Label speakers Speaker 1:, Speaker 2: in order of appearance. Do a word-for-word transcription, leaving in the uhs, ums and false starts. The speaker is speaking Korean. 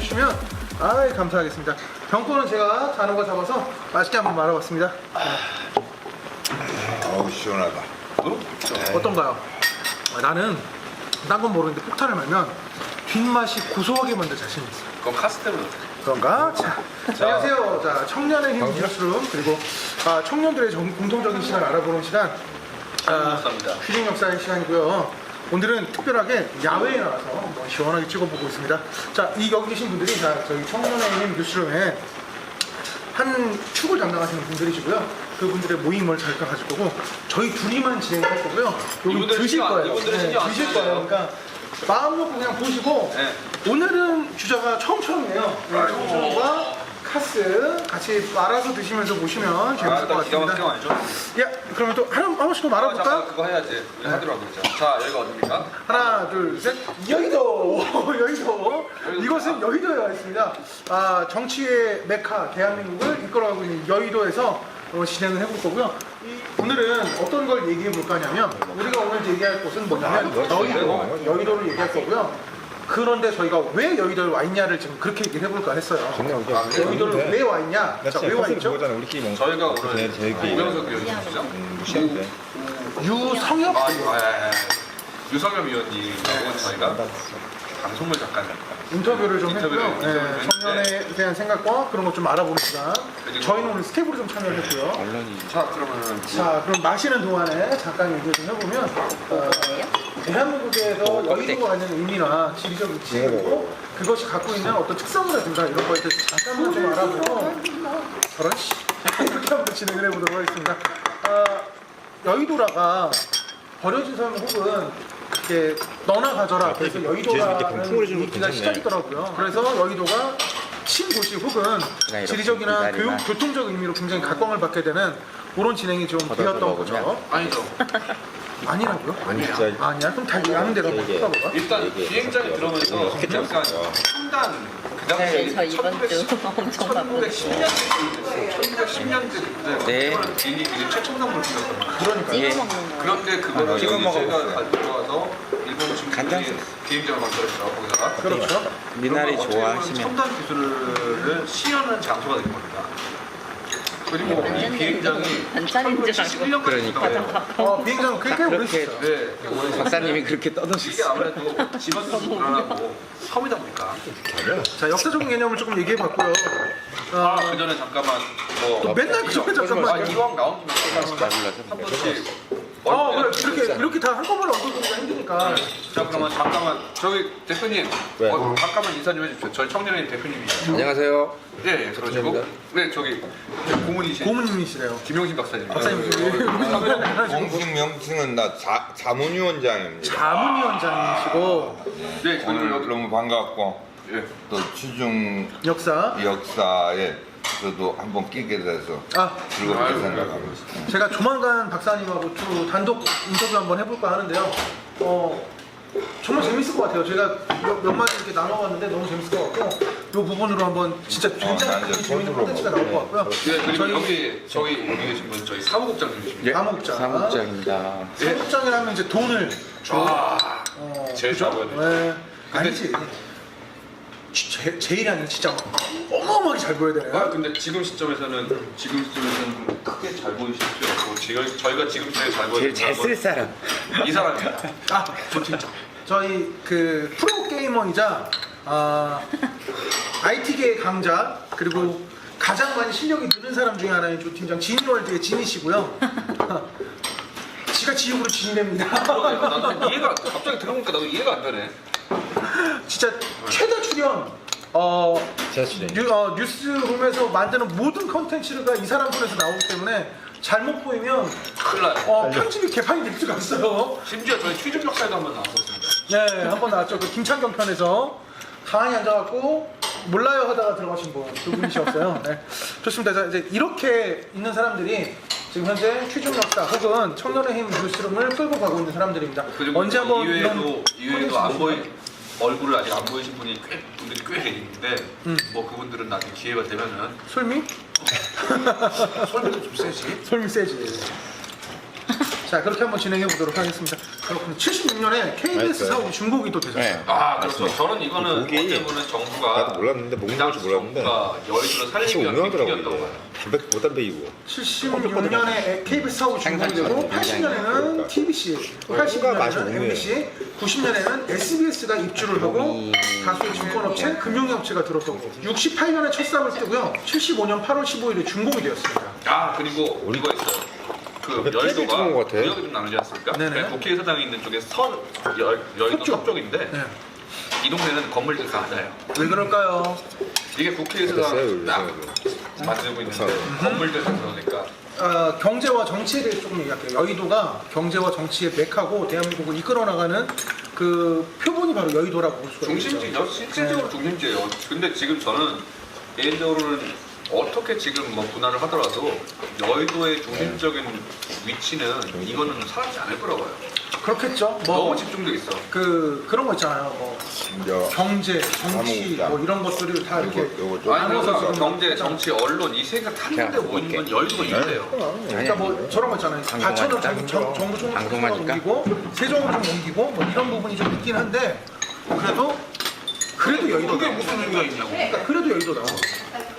Speaker 1: 해주시면 아 감사하겠습니다. 병권은 제가 단어가 잡아서 맛있게 한번 말아봤습니다.
Speaker 2: 어우 시원하다.
Speaker 3: 어?
Speaker 1: 어떤가요? 아, 나는 딴 건 모르는데 폭탄을 말면 뒷맛이 고소하게 만들 자신이 있어.
Speaker 3: 그건 카스테로.
Speaker 1: 그런가? 자, 자, 안녕하세요. 자, 청년의 힘 뉴스룸 그리고 아, 청년들의 정, 공통적인 시간 알아보는 시간 아,
Speaker 3: 역사입니다.
Speaker 1: 휴식 역사의 시간이고요. 오늘은 특별하게 야외에 나와서 뭐 시원하게 찍어보고 있습니다. 자, 이 여기 계신 분들이 다 저희 청년의 힘 뉴스룸에 한 축을 담당하시는 분들이시고요. 그분들의 모임을 잠깐 가질 거고 저희 둘이만 진행할 거고요. 여기
Speaker 3: 이분들
Speaker 1: 드실
Speaker 3: 신경 안-
Speaker 1: 거예요.
Speaker 3: 이분들은
Speaker 1: 네,
Speaker 3: 신경 안
Speaker 1: 드실
Speaker 3: 써요.
Speaker 1: 거예요. 그러니까 마음 놓고 그냥 보시고
Speaker 3: 네.
Speaker 1: 오늘은 주자가 청청이에요. 네, 청청과 카스 같이 말아서 드시면서 보시면 재밌을 것
Speaker 3: 아, 기가 막히게
Speaker 1: 같습니다.
Speaker 3: 아니죠?
Speaker 1: 야, 그러면 또 하나, 한 번씩 더
Speaker 3: 아,
Speaker 1: 말아볼까?
Speaker 3: 잠깐 그거 해야지. 우리 하도록 그랬죠. 자, 여기가 어딥니까?
Speaker 1: 하나, 둘, 셋. 여의도! 여의도! 이곳은 여의도에 와 있습니다. 아, 정치의 메카, 대한민국을 이끌어가고 있는 여의도에서 어, 진행을 해볼 거고요. 이, 오늘은 어떤 걸 얘기해 볼 거냐면, 우리가 오늘 얘기할 곳은 뭐냐면, 여의도, 여의도를 얘기할 거고요. 그런데 저희가 왜 여의도에 와 있냐를 지금 그렇게 얘기를 해볼까 했어요.
Speaker 2: 아,
Speaker 1: 여의도를 왜 와 있냐? 자, 왜 와 있죠?
Speaker 2: 우리끼리 먹는
Speaker 3: 저희가 오늘
Speaker 2: 네, 저희끼리
Speaker 3: 이병석 위원님이시죠?
Speaker 2: 무시한데.
Speaker 1: 유성엽?
Speaker 3: 아, 이거, 아, 예, 예. 유성엽 위원님하고 저희가 방송물 작가입니다.
Speaker 1: 인터뷰를 좀
Speaker 3: 인터뷰를,
Speaker 1: 했고요.
Speaker 3: 인터뷰를
Speaker 1: 네,
Speaker 3: 했는데
Speaker 1: 청년에 대한 생각과 그런 것 좀 알아보는 시간.
Speaker 3: 그리고-
Speaker 1: 저희는 오늘 스텝으로 좀 참여를 했고요.
Speaker 3: 자, 그러면
Speaker 1: 자, 그럼 마시는 동안에 잠깐 얘기 좀 해보면 어, 대한민국에서 여의도가 갖는 의미나 지리적 위치 그리고 그것이 갖고 있는 어떤 특성이라든가 이런 거에 대해서 잠깐만 좀 알아보고 저런 씨 이렇게 한번 진행을 해보도록 하겠습니다. 어, 여의도라가 버려진 삶 혹은 이렇게 너나 가져라 그래서
Speaker 2: 뒤에서 이렇게
Speaker 1: 여의도라는
Speaker 2: 풍을 해주는 거
Speaker 1: 얘기가
Speaker 2: 괜찮네.
Speaker 1: 시작이더라고요. 그래서 여의도가 신도시 혹은
Speaker 4: 이렇게
Speaker 1: 지리적이나 교육,
Speaker 4: 기다리나.
Speaker 1: 교통적 의미로 굉장히 각광을 받게 되는 그런 진행이 좀 되었던 거죠.
Speaker 4: 먹으면.
Speaker 3: 아니죠.
Speaker 1: 아니라고요?
Speaker 2: 아니 진짜
Speaker 1: 아니야? 그럼 다 아는 대로 한번
Speaker 2: 이게-
Speaker 1: 써봐봐.
Speaker 3: 일단
Speaker 2: 이게
Speaker 3: 비행장이 들어오면서
Speaker 2: 스케치하고
Speaker 3: 약간
Speaker 2: 있어요.
Speaker 3: 첨단 그
Speaker 4: 네,
Speaker 3: 당시
Speaker 4: 저 이번 주 엄청 바쁘거든요.
Speaker 3: 천구백십 년대 천구백십 년대
Speaker 4: 네.
Speaker 3: 그때 비행기 굉장히 최첨단 물품이었단 말이에요.
Speaker 1: 그러니까
Speaker 4: 찍어
Speaker 1: 예.
Speaker 4: 먹는 거.
Speaker 3: 그런데 그거를
Speaker 2: 찍어
Speaker 3: 여기
Speaker 2: 먹어봤어요.
Speaker 3: 제가 가지고 와서 일본
Speaker 4: 간장
Speaker 3: 친구들이 비행장을 만들었죠. 거기다가
Speaker 1: 그렇죠.
Speaker 4: 미나리
Speaker 3: 그러면 어떻게 보면
Speaker 4: 좋아하시면
Speaker 3: 첨단 기술을 시연하는 장소가 된 겁니다. 그리고 이
Speaker 4: 완전
Speaker 3: 비행장이
Speaker 4: 반찬인 줄 알고.
Speaker 3: 일 년까지
Speaker 4: 그러니까.
Speaker 3: 가요.
Speaker 1: 어, 비행장 꽤 꽤 오래
Speaker 4: 그렇게
Speaker 1: 있었어요.
Speaker 3: 네.
Speaker 4: 박사님이 그렇게
Speaker 3: 이게
Speaker 4: 떠드셨어요.
Speaker 3: 아무래도 집안도 불안하고 섬이다 보니까.
Speaker 1: 자, 역사적인 개념을 조금 얘기해봤고요. 어,
Speaker 3: 아, 그 전에 잠깐만 뭐
Speaker 1: 또 맨날 그 전에 잠깐만.
Speaker 3: 아, 이왕 나온 김에 한 번씩.
Speaker 1: 어, 그래, 이렇게, 이렇게 다 한꺼번에 엉켜보기가 힘드니까.
Speaker 3: 자, 그러면 잠깐만 저기 대표님
Speaker 2: 왜?
Speaker 3: 어, 잠깐만 인사 좀 해주십시오. 저희 청년의 대표님이시죠.
Speaker 2: 안녕하세요.
Speaker 3: 예, 예, 그러시고 네, 저기 고문이신
Speaker 1: 고문님이시래요.
Speaker 3: 김용신 박사님.
Speaker 1: 박사님, 저기
Speaker 2: 공식 명칭은 나 자, 자문위원장입니다.
Speaker 1: 자문위원장이시고,
Speaker 3: 네,
Speaker 2: 오늘
Speaker 3: 그리고 여기
Speaker 2: 너무 반갑고
Speaker 3: 예.
Speaker 2: 또 취중
Speaker 1: 역사.
Speaker 2: 역사에 저도 한번 끼게 돼서
Speaker 1: 아,
Speaker 2: 즐겁게
Speaker 3: 아유,
Speaker 2: 생각하고 있습니다.
Speaker 1: 제가 조만간 박사님하고 또 단독 인터뷰 한번 해볼까 하는데요. 어, 정말 재밌을 것 같아요. 제가 몇, 몇 마디 이렇게 나눠봤는데 너무 재밌을 것 같고, 이 부분으로 한번 진짜
Speaker 2: 나
Speaker 1: 굉장히
Speaker 2: 이제
Speaker 1: 재밌는
Speaker 2: 손으로
Speaker 1: 콘텐츠가 나올 것 같고요.
Speaker 3: 네, 그리고
Speaker 1: 저희
Speaker 3: 여기 저기 여기 계신 분 저희 사무국장님이십니다.
Speaker 1: 사무국장.
Speaker 4: 사무국장입니다.
Speaker 1: 사무국장이라면 이제 돈을 주
Speaker 3: 아,
Speaker 1: 어,
Speaker 3: 제일
Speaker 1: 그죠?
Speaker 3: 잘 보여야 돼.
Speaker 1: 네. 아니지. 제, 제일이 아니라 진짜 어마어마하게 잘 보여야
Speaker 3: 아,
Speaker 1: 되네요.
Speaker 3: 근데 지금 시점에서는 지금 시점에서는 좀 크게 잘 보이실 필요 없고 지금 저희가 지금 제일 잘 보이는
Speaker 4: 제일 잘 쓸 사람.
Speaker 3: 이 사람입니다.
Speaker 1: 아, 조팀장. 저희 그 프로 게이머이자 아, 아이티계의 강자 그리고 가장 많이 실력이 느는 사람 중에 하나인 조팀장 진월드의 진이시고요. 지가 지옥으로 진입됩니다.
Speaker 3: 나도 이해가 갑자기 들어보니까 나도 이해가 안 되네.
Speaker 1: 진짜 최다 출연 어,
Speaker 2: 최다 출연.
Speaker 1: 뉴, 어, 뉴스룸에서 만드는 모든 컨텐츠가 이 사람 손에서 나오기 때문에 잘못 보이면
Speaker 3: 큰일 나요.
Speaker 1: 어, 편집이 개판이 될 수가 있어요.
Speaker 3: 심지어 저희 취중 역사에도 한번 나왔었습니다.
Speaker 1: 네, 한 번 나왔죠. 그 김창경 편에서 가만히 앉아갖고 몰라요 하다가 들어가신 분, 두 분이셨어요. 네, 좋습니다. 자, 이제 이렇게 있는 사람들이 지금 현재 취중 역사 혹은 청년의 힘 뉴스룸을 끌고 가고 있는 사람들입니다.
Speaker 3: 그리고
Speaker 1: 언제 한번
Speaker 3: 이외에도 이외에도 안 보이
Speaker 1: 콘텐츠
Speaker 3: 얼굴을 아직 안 보이신 분이 꽤 분들이 꽤 계시는데
Speaker 1: 음.
Speaker 3: 뭐 그분들은 나중에 기회가 되면은
Speaker 1: 솔미?
Speaker 3: 설명도 좀 세지.
Speaker 1: 솔미 세지. 자, 그렇게 한번 진행해 보도록 하겠습니다. 그렇군요. 칠십육 년에 케이비에스
Speaker 5: 맞아요.
Speaker 1: 사옥이 중복이 또 되셨어요.
Speaker 5: 네.
Speaker 3: 아 그렇죠. 저는 이거는
Speaker 5: 거기
Speaker 3: 어떻게 보면 정부가
Speaker 5: 나도 몰랐는데 목록인 줄 몰랐는데
Speaker 3: 정부가 여의도를
Speaker 5: 다시
Speaker 3: 살리기 위한
Speaker 5: 운영하더라고
Speaker 3: 계기였던
Speaker 5: 이게.
Speaker 3: 거예요.
Speaker 5: 담배 무담배이고.
Speaker 1: 칠십육 년에 케이비에스 사옥이 중복이 되고
Speaker 4: 생산처럼
Speaker 1: 팔십 년에는
Speaker 5: 그러니까.
Speaker 1: 티비씨,
Speaker 5: 뭔가
Speaker 1: 팔십
Speaker 5: 맛이
Speaker 1: 년에는
Speaker 5: 없네.
Speaker 1: 엠비씨, 구십 년에는 에스비에스가 입주를 하고 다수의 증권업체, 금융업체가 들었고 육십팔 년에 첫 삽을 뜨고요. 칠십오 년 팔월 십오일에 중복이 되었습니다.
Speaker 3: 아 그리고 이거 있어요. 그
Speaker 5: 왜
Speaker 3: 여의도가
Speaker 5: 탭이 찍은 것 같아?
Speaker 3: 구역이 좀 나누지 않습니까?
Speaker 1: 네네.
Speaker 3: 그러니까 국회의사당이 있는 쪽에 서 여, 여의도
Speaker 1: 서쪽.
Speaker 3: 서쪽인데
Speaker 1: 네.
Speaker 3: 이 동네는 건물들이 많아요.
Speaker 1: 왜 그럴까요?
Speaker 3: 이게 국회의사당
Speaker 5: 됐어요,
Speaker 3: 딱
Speaker 5: 여기서.
Speaker 3: 만들고 있는데
Speaker 5: 됐어요.
Speaker 3: 건물들이 그러니까
Speaker 1: 어, 경제와 정치에 대해 조금 얘기할게요. 여의도가 경제와 정치의 맥하고 대한민국을 이끌어 나가는 그 표본이 바로 여의도라고 볼 수가 있죠.
Speaker 3: 중심지죠. 실질적으로 중심지예요. 근데 지금 저는 개인적으로는 어떻게 지금 뭐 분할을 하더라도 여의도의 중심적인 위치는 이거는 사라지지 않을 거라고 봐요.
Speaker 1: 그렇겠죠.
Speaker 3: 너무
Speaker 1: 뭐
Speaker 3: 집중돼 있어.
Speaker 1: 그 그런 거 있잖아요. 뭐
Speaker 2: 여,
Speaker 1: 경제, 정치
Speaker 2: 사무국장.
Speaker 1: 뭐 이런 것들을 다 이렇게
Speaker 2: 요거, 요거 좀
Speaker 3: 아니
Speaker 1: 나눠서
Speaker 3: 그래서
Speaker 1: 지금
Speaker 3: 경제,
Speaker 1: 막
Speaker 3: 정치, 언론 이 세계가 한 군데
Speaker 4: 제가
Speaker 3: 모이는 건
Speaker 4: 볼게.
Speaker 3: 여의도가 있대요.
Speaker 1: 그러니까 뭐 저런 거 있잖아요.
Speaker 4: 방송하니까?
Speaker 1: 과천을 정, 정, 정부 좀
Speaker 4: 방송하니까?
Speaker 1: 옮기고 세종을 좀 옮기고 뭐 이런 부분이 좀 있긴 한데 그래도 그래도 여의도다.
Speaker 3: 그게 무슨 의미가 있냐고.
Speaker 1: 그러니까 그래도 여의도다.